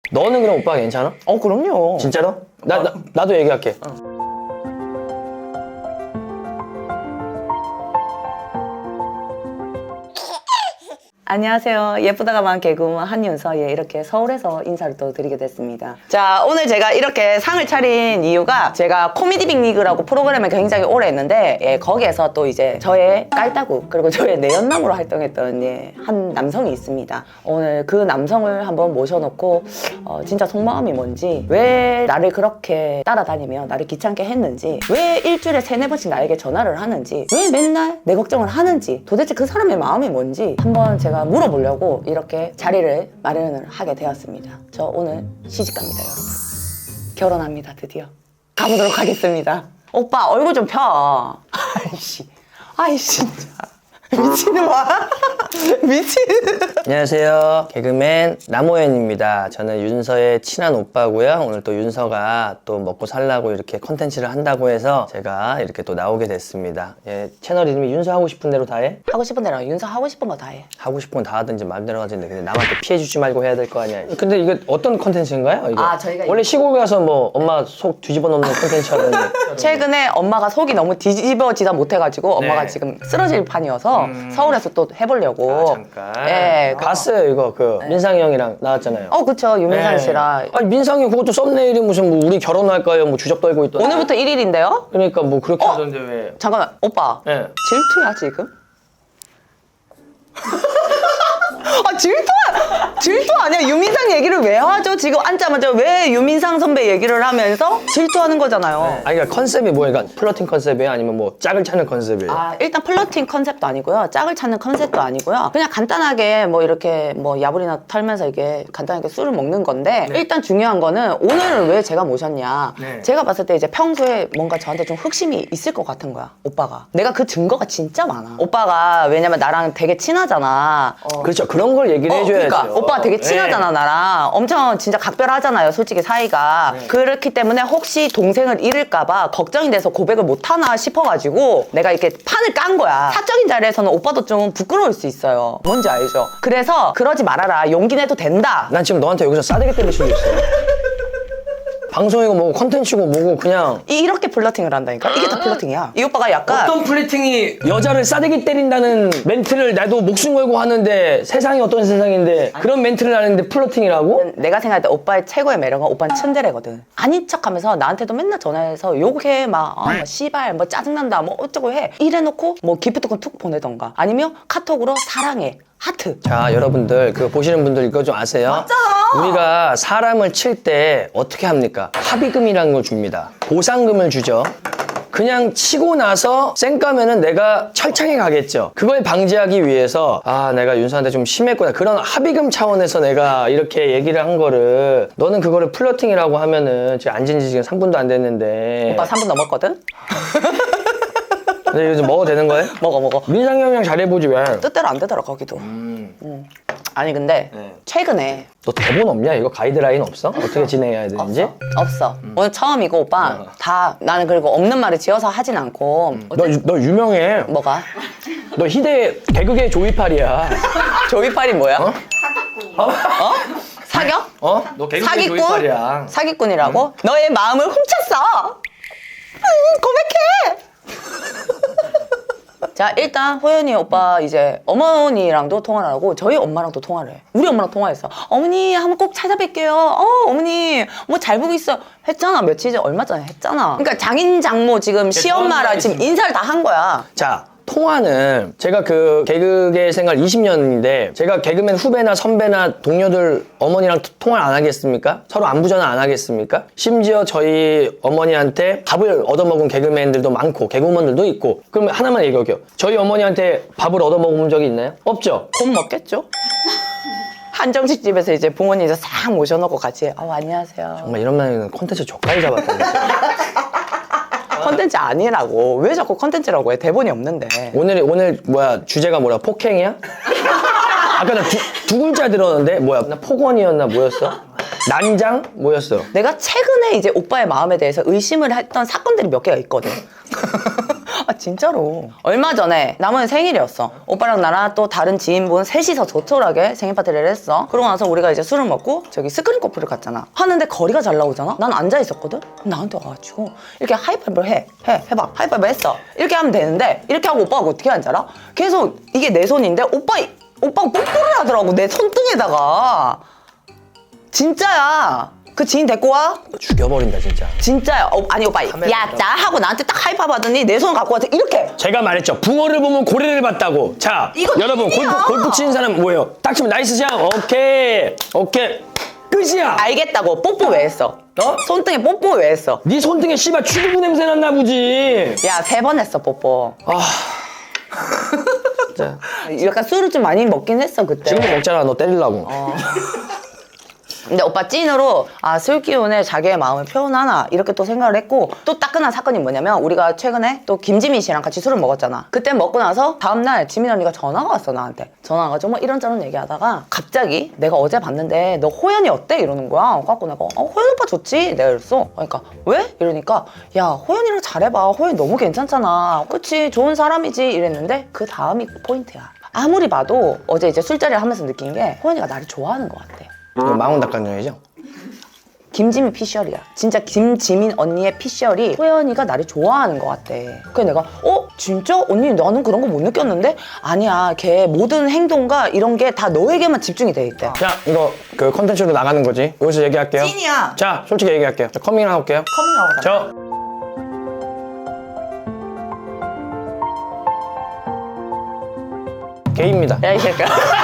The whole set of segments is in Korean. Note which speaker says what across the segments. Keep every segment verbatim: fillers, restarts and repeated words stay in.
Speaker 1: 너는 그럼 오빠가 괜찮아?
Speaker 2: 어 그럼요.
Speaker 1: 진짜로? 나, 나, 나도 얘기할게.
Speaker 2: 어. 안녕하세요. 예쁘다가만 개그우먼 한윤서. 예, 이렇게 서울에서 인사를 또 드리게 됐습니다. 자, 오늘 제가 이렇게 상을 차린 이유가 제가 코미디 빅리그라고 프로그램을 굉장히 오래 했는데 예, 거기에서 또 이제 저의 깔따구 그리고 저의 내연남으로 활동했던 예, 한 남성이 있습니다. 오늘 그 남성을 한번 모셔놓고 어, 진짜 속마음이 뭔지, 왜 나를 그렇게 따라다니며 나를 귀찮게 했는지, 왜 일주일에 세네 번씩 나에게 전화를 하는지, 왜 맨날 내 걱정을 하는지, 도대체 그 사람의 마음이 뭔지 한번 제가 물어보려고 이렇게 자리를 마련을 하게 되었습니다. 저 오늘 시집갑니다, 여러분. 결혼합니다, 드디어. 가보도록 하겠습니다. 오빠 얼굴 좀 펴. 아이씨, 아이씨 진짜 미치는와 미친.
Speaker 1: 안녕하세요. 개그맨 남호연입니다. 저는 윤서의 친한 오빠고요. 오늘 또 윤서가 또 먹고 살라고 이렇게 컨텐츠를 한다고 해서 제가 이렇게 또 나오게 됐습니다. 예, 채널 이름이 윤서 하고 싶은 대로 다 해?
Speaker 2: 하고 싶은 대로 윤서 하고 싶은 거 다 해.
Speaker 1: 하고 싶은 건 다 하든지 마음대로 하든지. 근데 남한테 피해주지 말고 해야 될 거 아니야. 근데 이거 어떤 컨텐츠인가요? 이거?
Speaker 2: 아, 저희가
Speaker 1: 원래 시골 가서 뭐 엄마 속 뒤집어 놓는 컨텐츠 하던데.
Speaker 2: 최근에 엄마가 속이 너무 뒤집어지다 못해가지고 엄마가
Speaker 1: 네.
Speaker 2: 지금 쓰러질 판이어서
Speaker 1: 음.
Speaker 2: 서울에서 또 해보려고.
Speaker 1: 아, 잠깐.
Speaker 2: 예.
Speaker 1: 봤어요, 이거. 그 민상이 형이랑 나왔잖아요.
Speaker 2: 어, 그쵸. 유민상
Speaker 1: 네.
Speaker 2: 씨랑.
Speaker 1: 아니 민상이 그것도 썸네일이 무슨 뭐 우리 결혼할까요? 뭐 주접 떨고 있던.
Speaker 2: 오늘부터 일 일인데요?
Speaker 1: 그러니까 뭐 그렇게
Speaker 2: 어?
Speaker 1: 하던데 왜?
Speaker 2: 잠깐만, 오빠.
Speaker 1: 예.
Speaker 2: 질투야, 지금? 아, 질투야! 질투 아니야? 유민상 얘기를 왜 하죠? 지금 앉자마자 왜 유민상 선배 얘기를 하면서 질투하는 거잖아요.
Speaker 1: 아니 그러니까 컨셉이 뭐예요? 그러니까 플러팅 컨셉이에요? 아니면 뭐 짝을 찾는 컨셉이에요?
Speaker 2: 아, 일단 플러팅 컨셉도 아니고요. 짝을 찾는 컨셉도 아니고요. 그냥 간단하게 뭐 이렇게 뭐 야불이나 털면서 이게 간단하게 술을 먹는 건데
Speaker 1: 네.
Speaker 2: 일단 중요한 거는 오늘은 왜 제가 모셨냐.
Speaker 1: 네.
Speaker 2: 제가 봤을 때 이제 평소에 뭔가 저한테 좀 흑심이 있을 것 같은 거야, 오빠가. 내가 그 증거가 진짜 많아. 오빠가 왜냐면 나랑 되게 친하잖아. 어.
Speaker 1: 그렇죠. 그런 걸 얘기를
Speaker 2: 어,
Speaker 1: 해줘야죠.
Speaker 2: 그러니까 오빠가 되게 친하잖아.
Speaker 1: 네.
Speaker 2: 나랑 엄청 진짜 각별하잖아요, 솔직히 사이가.
Speaker 1: 네.
Speaker 2: 그렇기 때문에 혹시 동생을 잃을까봐 걱정이 돼서 고백을 못하나 싶어가지고 내가 이렇게 판을 깐 거야. 사적인 자리에서는 오빠도 좀 부끄러울 수 있어요. 뭔지 알죠? 그래서 그러지 말아라, 용기 내도 된다.
Speaker 1: 난 지금 너한테 여기서 싸대기 때릴 수도 있어. 방송이고 뭐고 컨텐츠고 뭐고 그냥
Speaker 2: 이- 이렇게 플러팅을 한다니까? 이게 다 플러팅이야. 이 오빠가 약간
Speaker 1: 어떤 플레이팅이 여자를 싸대기 때린다는 멘트를 나도 목숨 걸고 하는데 세상이 어떤 세상인데 그런 멘트를 하는데 플러팅이라고?
Speaker 2: 내가 생각할 때 오빠의 최고의 매력은 오빠는 츤데레거든. 아닌 척하면서 나한테도 맨날 전화해서 욕해 막, 어, 뭐 씨발 뭐 짜증난다 뭐 어쩌고 해 이래놓고 뭐 기프트콘 툭 보내던가 아니면 카톡으로 사랑해 하트.
Speaker 1: 자 여러분들 그거 보시는 분들 이거 좀 아세요?
Speaker 2: 맞잖아.
Speaker 1: 우리가 사람을 칠 때 어떻게 합니까? 합의금이라는 걸 줍니다. 보상금을 주죠. 그냥 치고 나서 쌩까면은 내가 철창에 가겠죠. 그걸 방지하기 위해서 아 내가 윤서한테 좀 심했구나 그런 합의금 차원에서 내가 이렇게 얘기를 한 거를 너는 그거를 플러팅이라고 하면은 지금 앉은 지 지금 삼 분도 안 됐는데
Speaker 2: 오빠 삼 분 넘었거든?
Speaker 1: 근데 이거 좀 먹어도 되는 거예요?
Speaker 2: 먹어 먹어.
Speaker 1: 민상이 형이랑 잘해보지 왜?
Speaker 2: 뜻대로 안 되더라 거기도.
Speaker 1: 음.
Speaker 2: 음. 아니 근데
Speaker 1: 네.
Speaker 2: 최근에
Speaker 1: 너 대본 없냐? 이거 가이드라인 없어? 어떻게 진행해야 되는지?
Speaker 2: 없어. 없어. 오늘 처음이고 오빠
Speaker 1: 어.
Speaker 2: 다 나는 그리고 없는 말을 지어서 하진 않고
Speaker 1: 너, 유- 너 유명해.
Speaker 2: 뭐가?
Speaker 1: 너 희대 개그계 조이팔이야.
Speaker 2: 조이팔이 뭐야?
Speaker 1: 어?
Speaker 2: 어? 사겨?
Speaker 1: 어? 너 개그계
Speaker 2: 사기꾼?
Speaker 1: 조이팔이야.
Speaker 2: 사기꾼이라고? 너의 마음을 훔쳤어. 음, 고백해. 자 일단 호연이 오빠 이제 어머니랑도 통화를 하고 저희 엄마랑도 통화를 해. 우리 엄마랑 통화했어. 어머니 한번 꼭 찾아뵐게요. 어 어머니 뭐 잘 보고 있어 했잖아. 며칠 전 얼마 전에 했잖아. 그러니까 장인 장모 지금 시엄마랑 지금 인사를 다 한 거야.
Speaker 1: 자, 통화는 제가 그 개그계 생활 이십 년인데 제가 개그맨 후배나 선배나 동료들 어머니랑 토- 통화를 안 하겠습니까? 서로 안부 전화 안 하겠습니까? 심지어 저희 어머니한테 밥을 얻어먹은 개그맨들도 많고 개그우먼들도 있고 그러면 하나만 얘기할게요. 저희 어머니한테 밥을 얻어먹은 적이 있나요? 없죠?
Speaker 2: 곧 먹겠죠? 한정식 집에서 이제 부모님 이제 싹 모셔놓고 같이 어 안녕하세요.
Speaker 1: 정말 이런 말은 콘텐츠 족까지 잡았다.
Speaker 2: 컨텐츠 아니라고. 왜 자꾸 컨텐츠라고 해? 대본이 없는데.
Speaker 1: 오늘 오늘 뭐야 주제가 뭐야 폭행이야? 아까 나 두, 두 글자 들었는데 뭐야 나 폭언이었나 뭐였어? 난장 뭐였어?
Speaker 2: 내가 최근에 이제 오빠의 마음에 대해서 의심을 했던 사건들이 몇 개가 있거든. 아 진짜로. 얼마 전에 남은 생일이었어. 오빠랑 나랑 또 다른 지인분 셋이서 조촐하게 생일 파티를 했어. 그러고 나서 우리가 이제 술을 먹고 저기 스크린 커피를 갔잖아. 하는데 거리가 잘 나오잖아. 난 앉아 있었거든. 나한테 와가지고 이렇게 하이파이브를 해. 해. 해봐. 하이파이브 했어. 이렇게 하면 되는데 이렇게 하고 오빠가 어떻게 하는지 알아? 계속 이게 내 손인데 오빠 오빠가 뽀뽀를 하더라고. 내 손등에다가. 진짜야. 그 지인 데리고 와?
Speaker 1: 죽여버린다 진짜.
Speaker 2: 진짜야. 어, 아니 오빠 야 나 하고 나한테 딱 하이파이브 하더니 내 손 갖고 와서 이렇게.
Speaker 1: 제가 말했죠. 붕어를 보면 고래를 봤다고. 자,
Speaker 2: 이거
Speaker 1: 여러분
Speaker 2: 찐이야.
Speaker 1: 골프, 골프 치는 사람 뭐예요? 딱 치면 나이스 샷. 오케이, 오케이. 끝이야.
Speaker 2: 알겠다고. 뽀뽀 왜 했어? 어? 손등에 뽀뽀 왜 했어?
Speaker 1: 네 손등에 씨발 취두부 냄새 났나 보지.
Speaker 2: 야 세 번 했어 뽀뽀.
Speaker 1: 아, 진짜.
Speaker 2: 약간 술을 좀 많이 먹긴 했어 그때.
Speaker 1: 지금도 먹잖아. 너 때리려고.
Speaker 2: 어. 근데 오빠 찐으로 아 술 기운에 자기의 마음을 표현하나 이렇게 또 생각을 했고 또 따끈한 사건이 뭐냐면 우리가 최근에 또 김지민 씨랑 같이 술을 먹었잖아. 그때 먹고 나서 다음날 지민 언니가 전화가 왔어 나한테. 전화가 와가지고 뭐 이런저런 얘기하다가 갑자기 내가 어제 봤는데 너 호연이 어때? 이러는 거야. 갖고 내가 어 호연 오빠 좋지? 내가 이랬어. 그러니까 왜? 이러니까 야 호연이랑 잘해봐. 호연 너무 괜찮잖아. 그치 좋은 사람이지 이랬는데 그 다음이 포인트야. 아무리 봐도 어제 이제 술자리를 하면서 느낀 게 호연이가 나를 좋아하는 것 같아.
Speaker 1: 이거 망원 닭간장이죠?
Speaker 2: 김지민 피셜이야. 진짜 김지민 언니의 피셜이 호연이가 나를 좋아하는 것 같대. 그래서 내가 어? 진짜? 언니 나는 그런 거 못 느꼈는데? 아니야. 걔 모든 행동과 이런 게 다 너에게만 집중이 돼 있대.
Speaker 1: 자, 이거 그 컨텐츠로 나가는 거지. 여기서 얘기할게요.
Speaker 2: 찐이야.
Speaker 1: 자, 솔직히 얘기할게요. 저 커밍을 해볼게요.
Speaker 2: 커밍아웃 하자.
Speaker 1: 저 게이입니다.
Speaker 2: 야, 이 새끼야.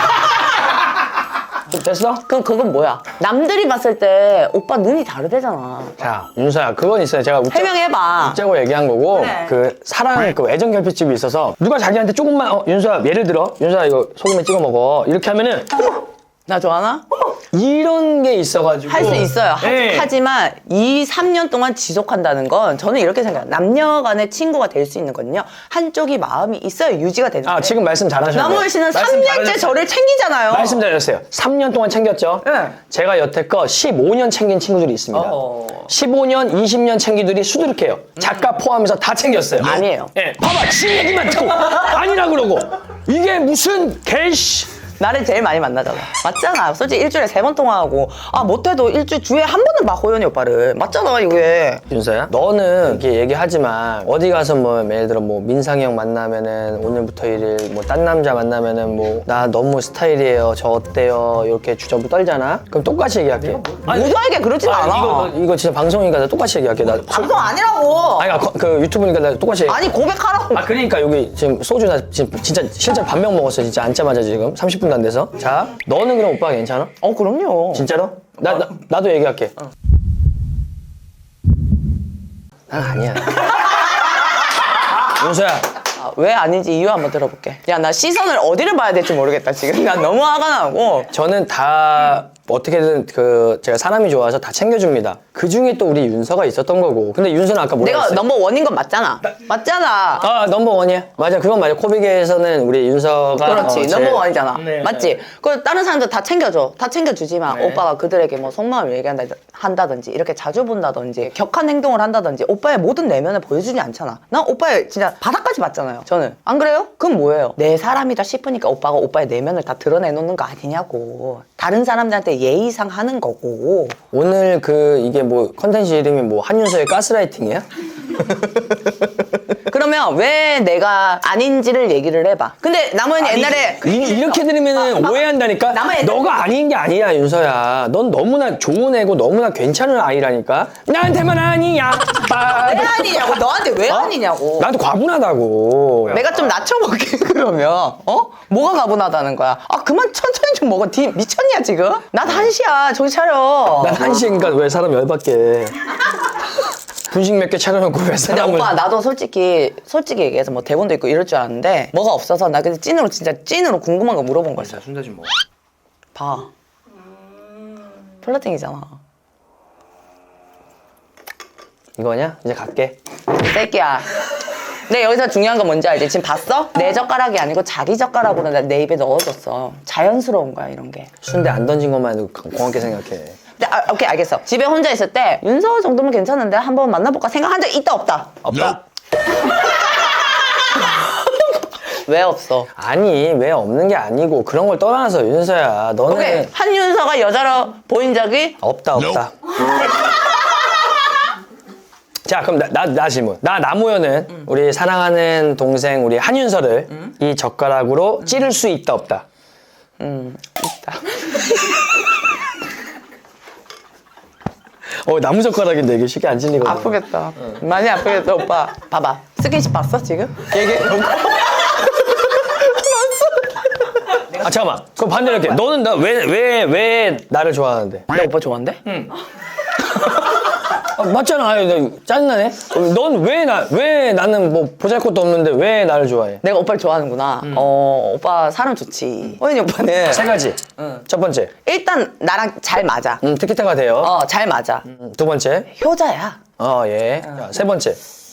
Speaker 1: 됐어?
Speaker 2: 그럼 그건 뭐야? 남들이 봤을 때 오빠 눈이 다르대잖아.
Speaker 1: 자, 윤서야, 그건 있어요. 제가 웃자,
Speaker 2: 해명해봐.
Speaker 1: 웃자고 얘기한 거고,
Speaker 2: 그래.
Speaker 1: 그 사랑, 그 애정 결핍집이 있어서 누가 자기한테 조금만, 어, 윤서야, 예를 들어, 윤서야, 이거 소금에 찍어 먹어. 이렇게 하면은,
Speaker 2: 나 좋아하나?
Speaker 1: 이런 게 있어가지고.
Speaker 2: 할 수 있어요. 하,
Speaker 1: 네.
Speaker 2: 하지만 이 삼 년 동안 지속한다는 건 저는 이렇게 생각해요. 남녀 간의 친구가 될 수 있는 건요. 한쪽이 마음이 있어야 유지가 되는데.
Speaker 1: 아, 지금 말씀 잘하셨네요.
Speaker 2: 남호연 씨는
Speaker 1: 말씀
Speaker 2: 삼 년째
Speaker 1: 잘하셨어요.
Speaker 2: 저를 챙기잖아요.
Speaker 1: 말씀 잘하셨어요. 삼 년 동안 챙겼죠?
Speaker 2: 네.
Speaker 1: 제가 여태껏 십오 년 챙긴 친구들이 있습니다.
Speaker 2: 어허.
Speaker 1: 십오 년, 이십 년 챙기들이 수두룩해요. 작가 포함해서 다 챙겼어요.
Speaker 2: 아니에요.
Speaker 1: 예, 봐봐, 지 얘기만 듣고 아니라 그러고 이게 무슨 개씨.
Speaker 2: 나를 제일 많이 만나잖아. 맞잖아. 솔직히 일주일에 세 번 통화하고 아 못해도 일주일 주에 한 번은 봐 호연이 오빠를. 맞잖아 이게.
Speaker 1: 윤서야, 너는 이렇게 얘기하지만 어디 가서 뭐 예를 들어 뭐 민상이 형 만나면은 오늘부터 일일 뭐 딴 남자 만나면은 뭐 나 너무 스타일이에요. 저 어때요? 이렇게 주저부 떨잖아. 그럼 똑같이 얘기할게.
Speaker 2: 모두에게 그러진
Speaker 1: 아,
Speaker 2: 않아.
Speaker 1: 이거 이거 진짜 방송이니까 내가 똑같이 얘기할게. 나
Speaker 2: 방송 아니라고.
Speaker 1: 아니 그, 그 유튜브니까 내가 똑같이. 얘기해.
Speaker 2: 아니 고백하라고.
Speaker 1: 아 그러니까 여기 지금 소주 나 지금 진짜 실제로 반병 먹었어. 진짜 앉자마자 지금 삼십 분도 안 돼서. 자, 너는 그럼 오빠가 괜찮아?
Speaker 2: 어 그럼요.
Speaker 1: 진짜로? 나, 나 나도 얘기할게. 난 아니야. 윤서야.
Speaker 2: 아, 왜 아닌지 이유 한번 들어볼게. 야 나 시선을 어디를 봐야 될지 모르겠다 지금. 난 너무 화가 나고.
Speaker 1: 저는 다 어떻게든 그 제가 사람이 좋아서 다 챙겨줍니다. 그 중에 또 우리 윤서가 있었던 거고. 근데 윤서는 아까 뭐라
Speaker 2: 내가
Speaker 1: 했어요?
Speaker 2: 넘버 원인 건 맞잖아. 맞잖아.
Speaker 1: 아 넘버 원이야. 맞아, 그건 맞아. 코빅에서는 우리 윤서가
Speaker 2: 그렇지.
Speaker 1: 어, 제일-
Speaker 2: 넘버 원이잖아.
Speaker 1: 네.
Speaker 2: 맞지? 그 다른 사람들 다 챙겨줘. 다 챙겨주지만
Speaker 1: 네.
Speaker 2: 오빠가 그들에게 뭐 속마음을 얘기한다 한다든지 이렇게 자주 본다든지 격한 행동을 한다든지 오빠의 모든 내면을 보여주지 않잖아. 난 오빠의 진짜 바닥까지 봤잖아요. 저는. 안 그래요? 그럼 뭐예요? 내 사람이다 싶으니까 오빠가 오빠의 내면을 다 드러내놓는 거 아니냐고. 다른 사람들한테 예의상 하는 거고.
Speaker 1: 오늘 그 이게 뭐 컨텐츠 이름이 뭐 한윤서의 가스라이팅이야?
Speaker 2: 그러면 왜 내가 아닌지를 얘기를 해봐. 근데 남은 옛날에
Speaker 1: 이, 이렇게 들으면
Speaker 2: 아, 아,
Speaker 1: 오해한다니까?
Speaker 2: 남의 애들-
Speaker 1: 너가 아닌 게 아니야, 윤서야. 넌 너무나 좋은 애고 너무나 괜찮은 아이라니까? 나한테만 아니야. 빠-
Speaker 2: 왜 아니냐고. 너한테 왜
Speaker 1: 어?
Speaker 2: 아니냐고.
Speaker 1: 나도 과분하다고.
Speaker 2: 내가 좀 낮춰볼게 그러면. 어? 뭐가 가분하다는 거야? 아 그만 천천히 좀 먹어. 디 미쳤냐 지금? 난 한시야. 정신 차려.
Speaker 1: 난 한시인가 왜 사람 열받게. 분식 몇 개 차려놓고 왜
Speaker 2: 근데
Speaker 1: 사람을.
Speaker 2: 오빠 나도 솔직히 솔직히 얘기해서 뭐 대본도 있고 이럴 줄 알았는데 뭐가 없어서 나 그냥 찐으로 진짜 찐으로 궁금한 거 물어본 거였어.
Speaker 1: 순대 좀 먹어.
Speaker 2: 봐. 플러팅이잖아.
Speaker 1: 이거냐? 이제 갈게.
Speaker 2: 이 새끼야. 근데 여기서 중요한 건 뭔지 알지? 지금 봤어? 내 젓가락이 아니고 자기 젓가락으로 나- 내 입에 넣어줬어. 자연스러운 거야 이런 게.
Speaker 1: 순대 안 던진 것만 해도 고맙게 생각해.
Speaker 2: 근데 아, 오케이 알겠어. 집에 혼자 있을 때 윤서 정도면 괜찮은데 한번 만나볼까 생각한 적 있다 없다?
Speaker 1: 없다.
Speaker 2: 왜 없어?
Speaker 1: 아니 왜 없는 게 아니고 그런 걸 떠나서 윤서야 너는
Speaker 2: 오케이. 한윤서가 여자로 보인 적이
Speaker 1: 없다 없다. 자 그럼 나, 나, 나 질문. 나 나무현은
Speaker 2: 음.
Speaker 1: 우리 사랑하는 동생 우리 한윤서를
Speaker 2: 음.
Speaker 1: 이 젓가락으로 찌를 수 있다 없다.
Speaker 2: 음 있다.
Speaker 1: 어 나무 젓가락인데 이게 쉽게 안 찔리거든.
Speaker 2: 아프겠다. 많이 아프겠다 오빠. 봐봐. 스킨십 봤어 지금? 얘기.
Speaker 1: 아 잠깐만. 그럼 반대로 할게. 너는 나 왜 왜 왜 나를 좋아하는데?
Speaker 2: 내 오빠 좋아한대? 응.
Speaker 1: 아, 맞잖아. 아유, 나 짜증나네. 넌 왜 나 왜 나는 뭐 보잘것도 없는데 왜 나를 좋아해?
Speaker 2: 내가 오빠를 좋아하는구나. 어 오빠 사람 좋지. 호연이 오빠는
Speaker 1: 세 가지. 첫 번째.
Speaker 2: 일단 나랑 잘 맞아.
Speaker 1: 음, 티키타가 돼요.
Speaker 2: 어 잘 맞아.
Speaker 1: 음, 두 번째.
Speaker 2: 효자야.
Speaker 1: 어, 예. 자, 세 번째.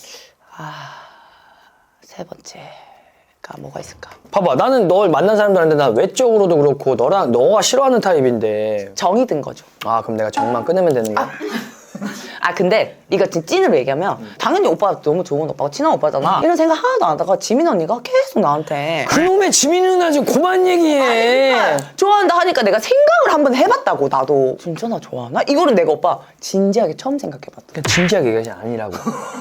Speaker 2: 세 번째가 뭐가 있을까?
Speaker 1: 봐봐. 나는 널 만난 사람들한테 나 외적으로도 그렇고 너랑 너가 싫어하는 타입인데.
Speaker 2: 정이 든 거죠.
Speaker 1: 아, 그럼 내가 정만 끊으면 되는 거야?
Speaker 2: 아 근데 이거 진짜 찐으로 얘기하면 당연히 오빠가 너무 좋은 오빠가 친한 오빠잖아. 이런 생각 하나도 안 하다가 지민 언니가 계속 나한테
Speaker 1: 그놈의 지민 누나 좀 그만 얘기해.
Speaker 2: 좋아한다 하니까 내가 생각을 한번 해봤다고. 나도 진짜 나 좋아하나? 이거는 내가 오빠 진지하게 처음 생각해봤다.
Speaker 1: 그냥 진지하게 얘기하지 아니라고.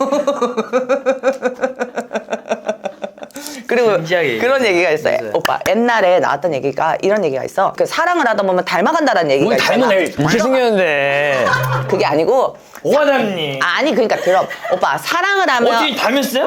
Speaker 2: 그리고
Speaker 1: 진지하게
Speaker 2: 그런 얘기가 있어요.
Speaker 1: 있어요.
Speaker 2: 오빠 옛날에 나왔던 얘기가 이런 얘기가 있어. 그 사랑을 하다 보면 닮아간다는 얘기가
Speaker 1: 뭘
Speaker 2: 있잖아.
Speaker 1: 닮은 애 이렇게 생겼는데.
Speaker 2: 그게 아니고
Speaker 1: 뭐가 닮니?
Speaker 2: 아니 그러니까 들어. 오빠 사랑을 하면
Speaker 1: 어떻게 닮았어요?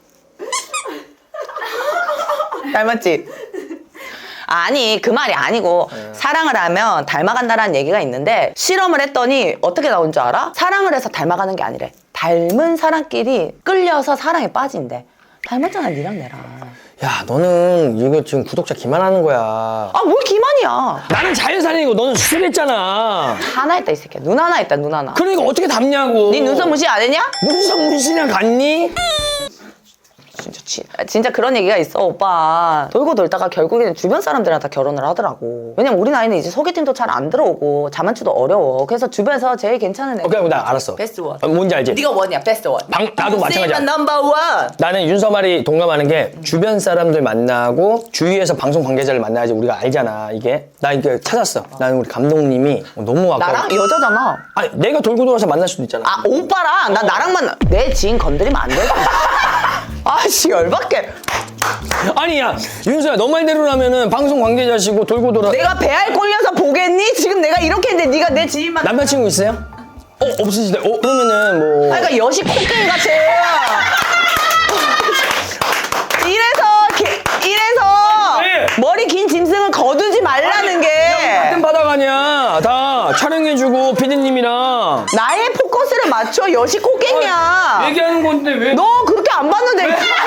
Speaker 2: 닮았지? 아니 그 말이 아니고 사랑을 하면 닮아간다라는 얘기가 있는데 실험을 했더니 어떻게 나온 줄 알아? 사랑을 해서 닮아가는 게 아니래. 닮은 사람끼리 끌려서 사랑에 빠진대. 닮았잖아 니랑 내랑.
Speaker 1: 야, 너는 이거 지금 구독자 기만하는 거야.
Speaker 2: 아 뭘 기만이야.
Speaker 1: 나는 자연산이고 너는 수술했잖아.
Speaker 2: 하나 있다 이 새끼야. 눈 하나 있다 눈 하나.
Speaker 1: 그러니까 어떻게 닮냐고.
Speaker 2: 네 눈썹 무시 안 했냐?
Speaker 1: 눈썹 무시나 갔니?
Speaker 2: 진짜 치. 아, 진짜 그런 얘기가 있어 오빠. 돌고 돌다가 결국에는 주변 사람들이랑 다 결혼을 하더라고. 왜냐면 우리 나이는 이제 소개팅도 잘 안 들어오고 자만추도 어려워. 그래서 주변에서 제일 괜찮은 애.
Speaker 1: 오케이, 나 알았어.
Speaker 2: 베스트 원.
Speaker 1: 어, 뭔지 알지?
Speaker 2: 네가 원이야 베스트 원.
Speaker 1: 방, 나도 마찬가지야.
Speaker 2: 넘버 원.
Speaker 1: 나는 윤서 말이 동감하는 게 주변 사람들 만나고 주위에서 방송 관계자를 만나야지 우리가 알잖아 이게. 나 이거 찾았어. 나는 우리 감독님이 너무 아까.
Speaker 2: 나랑 여자잖아.
Speaker 1: 아니 내가 돌고 돌아서 만날 수도 있잖아.
Speaker 2: 아 오빠랑 나 나랑 만나. 내 지인 건드리면 안 돼. 아씨 열받게.
Speaker 1: 아니 야 윤서야 너 말대로라면은 방송 관계자시고 돌고 돌아.
Speaker 2: 내가 배알 꼴려서 보겠니? 지금 내가 이렇게 했는데 네가 내 지인만.
Speaker 1: 남자친구 있어요? 어 없으시대. 어 그러면은 뭐.
Speaker 2: 아, 그러니까 여시 콧갱이 같이. 이래서 기- 이래서
Speaker 1: 왜?
Speaker 2: 머리 긴 짐승을 거두지 말라는 게
Speaker 1: 같은 바닥 아니야. 다 촬영해주고 피디님이랑
Speaker 2: 나의 포커스를 맞춰 여시 콧갱이야.
Speaker 1: 얘기하는 건데 왜?
Speaker 2: 너 그렇게 안 봤는데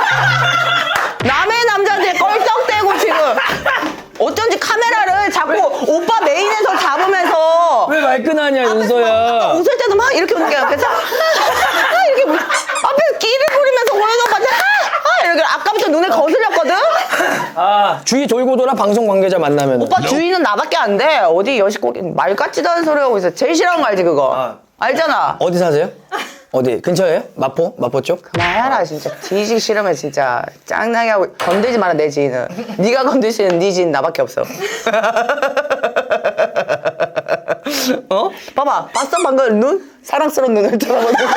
Speaker 2: 남의 남자한테 껄떡대고 지금 어쩐지 카메라를 자꾸 오빠 메인에서 잡으면서
Speaker 1: 왜 말끈하냐
Speaker 2: 앞에서 막
Speaker 1: 윤서야.
Speaker 2: 웃을 때도 막 이렇게 웃는 게 그래서 아, 이렇게 뭐 앞에서 끼를 부리면서 호연 오빠한테 아, 아, 이렇게 아까부터 눈에 거슬렸거든.
Speaker 1: 아 주위 돌고 돌아 방송 관계자 만나면.
Speaker 2: 오빠 주인은 나밖에 안 돼. 어디 여시고 말 같지도 않은 소리 하고 있어. 제일 싫어하는 거 알지 그거?
Speaker 1: 아.
Speaker 2: 알잖아.
Speaker 1: 어디 사세요? 어디 근처에요? 마포? 마포 쪽?
Speaker 2: 그만해라 진짜. 뒤지기 싫으면 진짜 짱나게 하고 건들지 마라 내 지인은. 네가 건드시는 네 지인 나밖에 없어. 어? 봐봐 봤어 방금 눈? 사랑스러운 눈을 쳐다보는 거.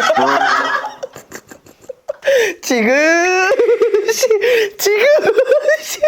Speaker 2: 지금 시 지금 시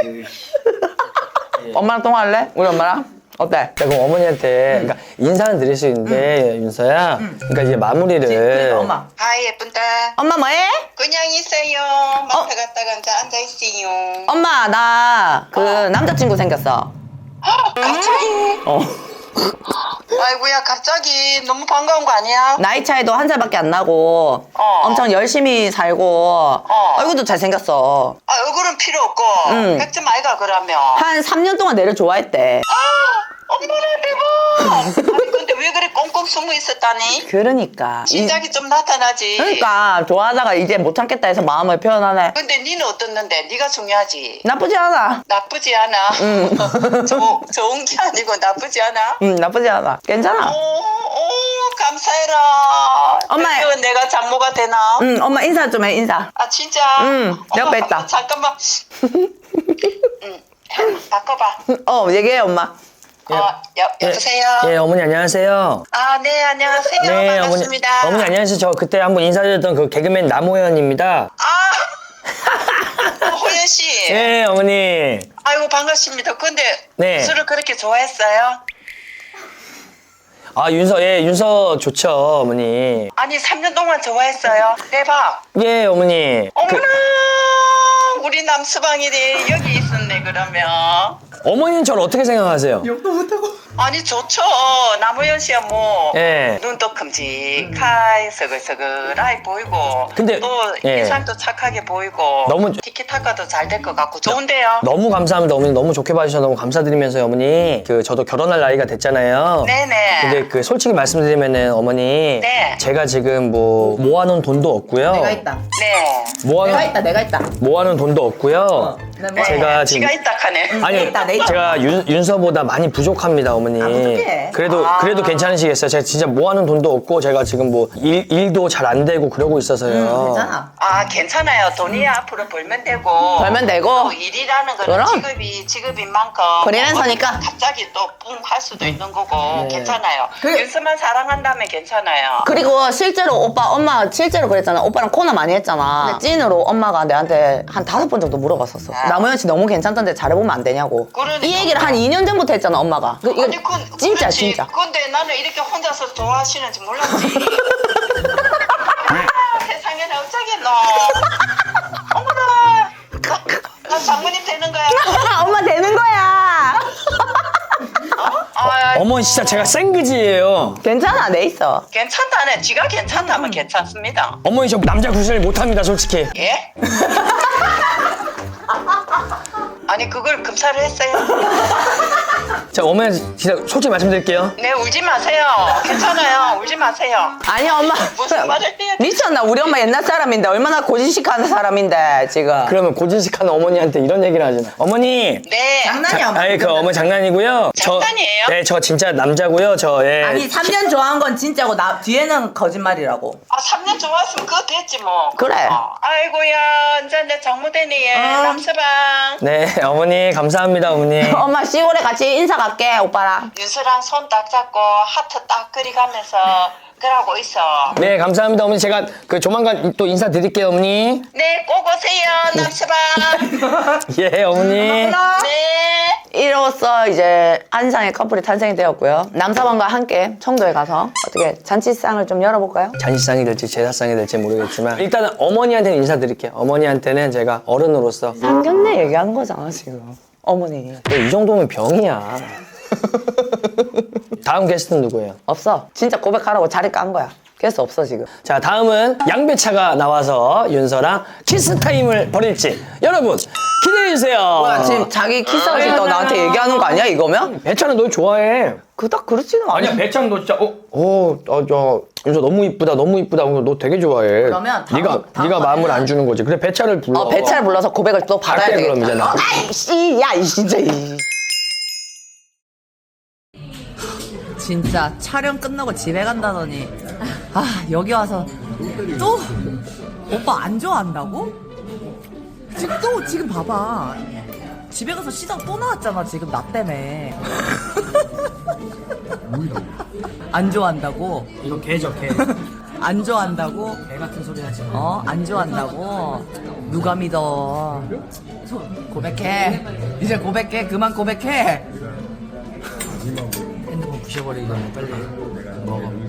Speaker 2: 엄마랑 통화할래? 우리 엄마랑? 어때?
Speaker 1: 자, 그럼 어머니한테 그러니까 인사는 드릴 수 있는데 윤서야. 그러니까 이제 마무리를.
Speaker 2: 그러니까 엄마.
Speaker 3: 아 예쁜다.
Speaker 2: 엄마 뭐해?
Speaker 3: 그냥 있어요. 마트 갔다가 앉아 앉아 있어요.
Speaker 2: 엄마 나 그 남자친구 생겼어.
Speaker 3: 갑자기?
Speaker 2: 어.
Speaker 3: 아이고야 갑자기 너무 반가운 거 아니야?
Speaker 2: 나이 차이도 한 살밖에 안 나고
Speaker 3: 어.
Speaker 2: 엄청 열심히 살고 얼굴도 잘생겼어.
Speaker 3: 아 얼굴은 필요 없고
Speaker 2: 응.
Speaker 3: 백점 아이가 그러면.
Speaker 2: 한 삼 년 동안 내를 좋아했대.
Speaker 3: 엄마라 대박. 아니 근데 왜 그래 꽁꽁 숨어 있었다니?
Speaker 2: 그러니까. 이-
Speaker 3: 시작이 좀 나타나지.
Speaker 2: 그러니까 좋아하다가 이제 못 참겠다 해서 마음을 표현하네.
Speaker 3: 근데 니는 어떻는데? 니가 중요하지.
Speaker 2: 나쁘지 않아.
Speaker 3: 나쁘지 않아. 조, 좋은 게 아니고 나쁘지 않아.
Speaker 2: 응 나쁘지 않아. 괜찮아.
Speaker 3: 오, 오 감사해라.
Speaker 2: 엄마.
Speaker 3: 드디어 내가 장모가 되나?
Speaker 2: 응 엄마 인사 좀 해 인사.
Speaker 3: 아 진짜?
Speaker 2: 응, 내 옆에
Speaker 3: 어머,
Speaker 2: 있다.
Speaker 3: 잠깐만. 응. 바꿔봐.
Speaker 2: 어, 얘기해, 엄마.
Speaker 3: 어, 여, 여보세요?
Speaker 1: 예, 어머니 안녕하세요.
Speaker 3: 아, 네, 안녕하세요.
Speaker 1: 네,
Speaker 3: 반갑습니다.
Speaker 1: 어머니. 어머니 안녕하세요. 저 그때 한번 인사드렸던 그 개그맨 남호연입니다.
Speaker 3: 아, 호연 씨.
Speaker 1: 예, 어머니.
Speaker 3: 아이고, 반갑습니다. 근데
Speaker 1: 네.
Speaker 3: 술을 그렇게 좋아했어요?
Speaker 1: 아, 윤서, 예, 윤서 좋죠, 어머니.
Speaker 3: 아니, 삼 년 동안 좋아했어요. 대박.
Speaker 1: 예, 어머니.
Speaker 3: 어머나,
Speaker 1: 그,
Speaker 3: 우리 남수방이네. 여기 있었네, 그러면.
Speaker 1: 어머니는 저를 어떻게 생각하세요?
Speaker 3: 아니, 좋죠. 남우현 씨야, 뭐.
Speaker 1: 예.
Speaker 3: 눈도 큼직하게 서글서글하게 보이고.
Speaker 1: 근데,
Speaker 3: 또
Speaker 1: 예.
Speaker 3: 인상도 착하게 보이고.
Speaker 1: 너무-
Speaker 3: 티키타카도 잘 될 것 같고. 좋은데요?
Speaker 1: 너무 감사합니다, 어머니. 너무 좋게 봐주셔서 너무 감사드리면서요, 어머니. 그, 저도 결혼할 나이가 됐잖아요.
Speaker 3: 네네.
Speaker 1: 근데 그, 솔직히 말씀드리면은, 어머니.
Speaker 3: 네.
Speaker 1: 제가 지금 뭐, 모아놓은 돈도 없고요.
Speaker 2: 내가 있다.
Speaker 3: 네.
Speaker 1: 모아놓은,
Speaker 2: 내가 있다, 내가 있다.
Speaker 1: 모아놓은 돈도 없고요.
Speaker 2: 나 뭐-
Speaker 1: 제가 지금.
Speaker 3: 지가 있다 하네.
Speaker 1: 아니요,
Speaker 2: 있다, 내 있다.
Speaker 1: 제가 윤, 윤서보다 많이 부족합니다, 어머니.
Speaker 2: 어떡해.
Speaker 1: 그래도,
Speaker 3: 아.
Speaker 1: 그래도 괜찮으시겠어요? 제가 진짜 모아놓은 돈도 없고, 제가 지금 뭐, 일, 일도 잘 안 되고 그러고 있어서요.
Speaker 2: 괜찮아.
Speaker 3: 아, 괜찮아요. 돈이 앞으로 벌면 되고.
Speaker 2: 벌면 되고.
Speaker 3: 또 일이라는 거는
Speaker 2: 그럼.
Speaker 3: 직업이, 직업인 만큼.
Speaker 2: 프리랜서니까.
Speaker 3: 뭐 갑자기 또 뿡 할 수도 있는 거고.
Speaker 1: 네.
Speaker 3: 괜찮아요.
Speaker 2: 그-
Speaker 3: 윤서만 사랑한다면 괜찮아요.
Speaker 2: 그리고 실제로 오빠, 엄마 실제로 그랬잖아. 오빠랑 코너 많이 했잖아. 근데 찐으로 엄마가 내한테 한 다섯 번 정도 물어봤었어.
Speaker 3: 아.
Speaker 2: 남우현 씨 너무 괜찮던데 잘해보면 안 되냐고.
Speaker 3: 그러니까.
Speaker 2: 이 얘기를 한 이 년 전부터 했잖아, 엄마가. 그, 이거
Speaker 3: 아니, 그,
Speaker 2: 진짜,
Speaker 3: 그렇지.
Speaker 2: 진짜.
Speaker 3: 근데 나는 이렇게 혼자서 좋아하시는지 몰랐지. 아, 세상에는 어쩌겠노. 어머나. 나, 나 장모님 되는 거야.
Speaker 2: 엄마 되는 거야.
Speaker 3: 아,
Speaker 1: 어머니 진짜 제가 생그지예요.
Speaker 2: 괜찮아, 내 있어.
Speaker 3: 괜찮다네. 지가 괜찮다면 괜찮습니다.
Speaker 1: 어머니 저 남자 구실 못합니다, 솔직히.
Speaker 3: 예? 아니, 그걸 검사를 했어요?
Speaker 1: 자, 어머니 진짜 솔직히 말씀드릴게요.
Speaker 3: 네, 울지 마세요. 괜찮아요. 울지 마세요.
Speaker 2: 아니, 엄마.
Speaker 3: 무슨 말을 해야 돼?
Speaker 2: 미쳤나? 우리 엄마 옛날 사람인데, 얼마나 고진식하는 사람인데, 지금.
Speaker 1: 그러면 고진식하는 어머니한테 이런 얘기를 하잖아. 어머니.
Speaker 3: 네.
Speaker 2: 장난이야, 엄마.
Speaker 1: 아니 그 어머니 장난이고요.
Speaker 3: 장난이에요?
Speaker 1: 저, 네, 저 진짜 남자고요. 저 예.
Speaker 2: 아니, 삼 년 좋아한 건 진짜고, 나, 뒤에는 거짓말이라고.
Speaker 3: 아, 삼 년 좋았으면 그거 됐지 뭐.
Speaker 2: 그래.
Speaker 3: 어. 아이고야, 이제 내 장모되니, 예.
Speaker 2: 어.
Speaker 3: 남서방.
Speaker 1: 네, 어머니 감사합니다, 어머니.
Speaker 2: 엄마, 시골에 같이 인사 갈게, 오빠랑.
Speaker 3: 윤서랑 손 딱 잡고 하트 딱 그리가면서 그러고 있어.
Speaker 1: 네, 감사합니다, 어머니. 제가 그 조만간 또 인사드릴게요, 어머니.
Speaker 3: 네, 꼭 오세요, 남서방.
Speaker 1: 예, 어머니.
Speaker 3: 네.
Speaker 2: 이로써 이제 한상의 커플이 탄생이 되었고요. 남사방과 함께 청도에 가서 어떻게 잔치상을 좀 열어볼까요?
Speaker 1: 잔치상이 될지 제사상이 될지 모르겠지만 일단은 어머니한테는 인사드릴게요. 어머니한테는 제가 어른으로서
Speaker 2: 상견례 얘기한 거잖아, 지금. 어머니.
Speaker 1: 이 정도면 병이야. 다음 게스트는 누구예요?
Speaker 2: 없어. 진짜 고백하라고 자리 깐 거야. 그래서 없어, 지금.
Speaker 1: 자, 다음은 양배차가 나와서 윤서랑 키스 타임을 벌일지 여러분 기대해주세요.
Speaker 2: 뭐야, 지금 자기 키스하고 싶다고 나한테 얘기하는 거 아니야, 이거면?
Speaker 1: 배차는 너 좋아해.
Speaker 2: 그닥 그렇지는 않아.
Speaker 1: 아니야, 배차는 너 진짜 어, 어, 어, 저 윤서 너무 이쁘다, 너무 이쁘다. 너 되게 좋아해.
Speaker 2: 그러면 다음-
Speaker 1: 네가
Speaker 2: 다음
Speaker 1: 네가 마음을
Speaker 2: 번에는-
Speaker 1: 안 주는 거지. 그래, 배차를 불러.
Speaker 2: 어, 배차를 불러서 고백을 또 받아야
Speaker 1: 갈게,
Speaker 2: 되겠다.
Speaker 1: 그럼 이제 나.
Speaker 2: 어, 아이씨, 야, 이 진짜. 이. 진짜 촬영 끝나고 집에 간다더니 아 여기 와서 또 오빠 안 좋아한다고? 지금 또 지금 봐봐 집에 가서 시장 또 나왔잖아 지금 나 때문에 안 좋아한다고?
Speaker 1: 이거 개죠, 개.
Speaker 2: 안 좋아한다고?
Speaker 1: 개 같은 소리 하지 마.
Speaker 2: 어? 안 좋아한다고? 누가 믿어 고백해 이제 고백해 그만 고백해
Speaker 1: 핸드폰 부셔버리기 전에 빨리 먹어.